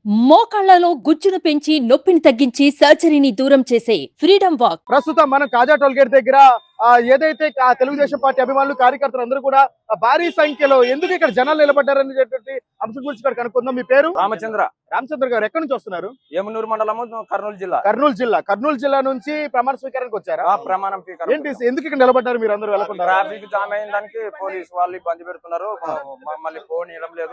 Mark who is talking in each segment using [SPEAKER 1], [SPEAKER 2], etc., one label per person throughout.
[SPEAKER 1] మోకాళ్లలో గుజ్జును పెంచి నొప్పిని తగ్గించి సర్జరీని దూరం చేసే ఫ్రీడమ్ వాక్.
[SPEAKER 2] ప్రస్తుతం మనం కాజా టోల్ గేట్ దగ్గర ఏదైతే తెలుగుదేశం పార్టీ అభిమానులు కార్యకర్తలు అందరూ కూడా భారీ సంఖ్యలో ఎందుకు ఇక్కడ జనాలు నిలబడ్డారనేటువంటి అంశం గురించి ఇక్కడ కనుక్కుందాం. మీ పేరు? రామచంద్ర గారు. ఎక్కడి నుంచి వస్తున్నారు?
[SPEAKER 3] ఏమనూరు మండలము,
[SPEAKER 2] కర్నూలు జిల్లా నుంచి ప్రమాణ స్వీకారానికి వచ్చారా?
[SPEAKER 3] ప్రమాణం
[SPEAKER 2] ఏంటి, ఎందుకు ఇక్కడ నిలబడ్డారు మీరు అందరూ? వెళ్ళకుండా
[SPEAKER 3] ట్రాఫిక్ జామ్ అయిన దానికి పోలీసు వాళ్ళు ఇబ్బంది పెడుతున్నారు. మళ్ళీ ఫోన్ ఇవ్వడం లేదు.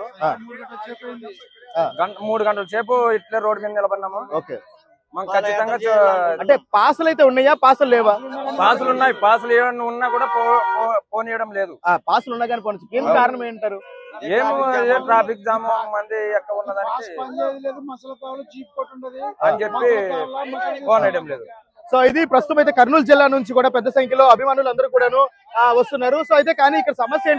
[SPEAKER 3] 3 గంటల సేపు ఇట్లే రోడ్డు మీద నిలబడినాము.
[SPEAKER 2] ఓకే,
[SPEAKER 3] మనం ఖచ్చితంగా
[SPEAKER 2] అంటే పాసులు అయితే ఉన్నాయా, పాసులు లేవా?
[SPEAKER 3] పాసులు ఉన్నాయి. పాసులు ఏమన్నా ఉన్నా కూడా ఫోన్ ఇవ్వడం లేదు.
[SPEAKER 2] పాసులు ఉన్నా కానీ పోనీ, ఏం కారణం ఏంటారు?
[SPEAKER 3] ఏం ట్రాఫిక్ జామ్ మంది ఎక్కడ ఉన్నదానికి అని చెప్పి ఫోన్ వేయడం లేదు.
[SPEAKER 2] సో ఇది ప్రస్తుతం అయితే కర్నూలు జిల్లా నుంచి కూడా పెద్ద సంఖ్యలో అభిమానులు అందరూ కూడాను వస్తున్నారు. సో అయితే కానీ ఇక్కడ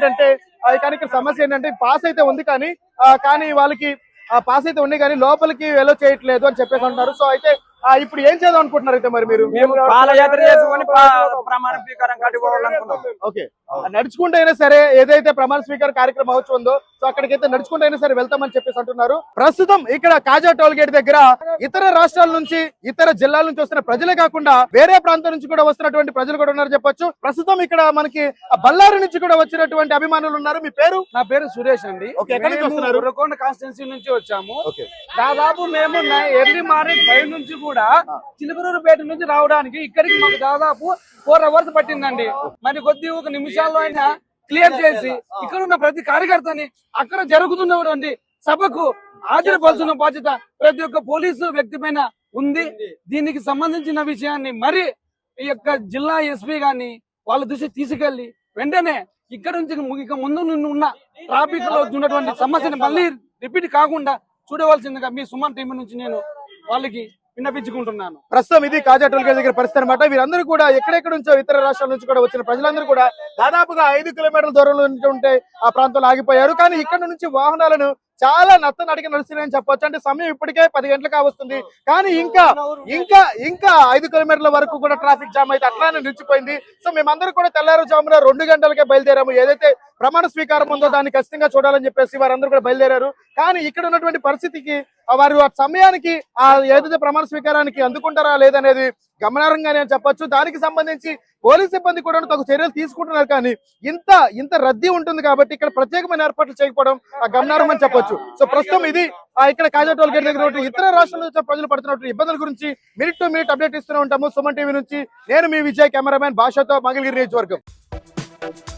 [SPEAKER 2] సమస్య ఏంటంటే పాస్ అయితే ఉంది కానీ వాళ్ళకి పాస్ అయితే ఉన్నాయి కానీ లోపలికి ఎలో చేయట్లేదు అని చెప్పేసి అంటున్నారు. సో అయితే ఇప్పుడు ఏం చేద్దాం అనుకుంటున్నారు అయితే మరి మీరు?
[SPEAKER 3] పాదయాత్ర చేసుకొని ప్రమాణ స్వీకారం కట్టుకోవాలనుకున్నాం.
[SPEAKER 2] ఓకే, నడుచుకుంటూ అయినా సరే ఏదైతే ప్రమాణ స్వీకార కార్యక్రమం అవచ్చు ఉందో సో అక్కడికైతే నడుచుకుంటూ అయినా సరే వెళ్తామని చెప్పేసి అంటున్నారు. ప్రస్తుతం ఇక్కడ కాజా టోల్ గేట్ దగ్గర ఇతర రాష్ట్రాల నుంచి, ఇతర జిల్లాల నుంచి వస్తున్న ప్రజలే కాకుండా వేరే ప్రాంతం నుంచి కూడా వస్తున్నటువంటి ప్రజలు కూడా ఉన్నారు చెప్పొచ్చు. ప్రస్తుతం ఇక్కడ మనకి బళ్ళారి నుంచి కూడా వచ్చినటువంటి అభిమానులు ఉన్నారు. మీ పేరు?
[SPEAKER 4] నా పేరు సురేష్ అండి.
[SPEAKER 2] ఎక్కడి నుంచి వస్తున్నారు?
[SPEAKER 4] ఉరకొండ కాన్స్టిట్యున్సీ నుంచి వచ్చాము. దాదాపు మేము ఎర్లీ మార్నింగ్ 5 నుంచి కూడా చిలుకూరుపేట నుంచి రావడానికి ఇక్కడికి మాకు దాదాపు 4 అవర్స్ పట్టిందండి. మరి కొద్ది ఒక నిమిషాల్లో అయినా క్లియర్ చేసి ఇక్కడ ఉన్న ప్రతి కార్యకర్తని అక్కడ జరుగుతున్నటువంటి సభకు హాజరుపరుచున్న బాధ్యత ప్రతి ఒక్క పోలీసు వ్యక్తి పైన ఉంది. దీనికి సంబంధించిన విషయాన్ని మరి ఈ యొక్క జిల్లా ఎస్పీ గాని వాళ్ళ దృష్టి తీసుకెళ్లి వెంటనే ఇక్కడ నుంచి ఇక ముందు ఉన్న ట్రాఫిక్ లో ఉన్నటువంటి సమస్యను మళ్ళీ రిపీట్ కాకుండా చూడవలసిందిగా మీ సుమన్ టీం నుంచి నేను వాళ్ళకి విన్నపించుకుంటున్నాను.
[SPEAKER 2] ప్రస్తుతం ఇది కాజా టోల్ గేట్ దగ్గర పరిస్థితి అనమాట. వీరందరూ కూడా ఎక్కడెక్కడ నుంచో ఇతర రాష్ట్రాల నుంచి కూడా వచ్చిన ప్రజలందరూ కూడా దాదాపుగా 5 కిలోమీటర్ల దూరంలో ఉంటే ఆ ప్రాంతంలో ఆగిపోయారు. కానీ ఇక్కడ నుంచి వాహనాలను చాలా నడికి నడుస్తున్నాయని చెప్పొచ్చు. అంటే సమయం ఇప్పటికే 10 గంటలు కావస్తుంది కానీ ఇంకా 5 కిలోమీటర్ల వరకు కూడా ట్రాఫిక్ జామ్ అయితే అట్లానే నిలిచిపోయింది. సో మేమందరూ కూడా తెల్లారుజామున 2 గంటలకే బయలుదేరాము. ఏదైతే ప్రమాణ స్వీకారం ఉందో దాన్ని ఖచ్చితంగా చూడాలని చెప్పేసి వారందరూ కూడా బయలుదేరారు. కానీ ఇక్కడ ఉన్నటువంటి పరిస్థితికి వారు ఆ సమయానికి ఏదైతే ప్రమాణ స్వీకారానికి అందుకుంటారా లేదనేది గమనార్హంగానే అని చెప్పొచ్చు. దానికి సంబంధించి పోలీస్ సిబ్బంది కూడా తగు చర్యలు తీసుకుంటున్నారు. కానీ ఇంత రద్దీ ఉంటుంది కాబట్టి ఇక్కడ ప్రత్యేకమైన ఏర్పాట్లు చేయకపోవడం గమనార్హం అని చెప్పొచ్చు. సో ప్రస్తుతం ఇది ఇక్కడ కాజా టోల్ గేట్ దగ్గర ఇతర రాష్ట్రాల నుంచి ప్రజలు పడుతున్నటువంటి ఇబ్బందుల గురించి మినిట్ టు మినిట్ అప్డేట్ ఇస్తూనే ఉంటాము. సుమన్ టీవీ నుంచి నేను మీ విజయ్, కెమెరామ్యాన్ భాషతో మంగళగిరి నియోజకవర్గం.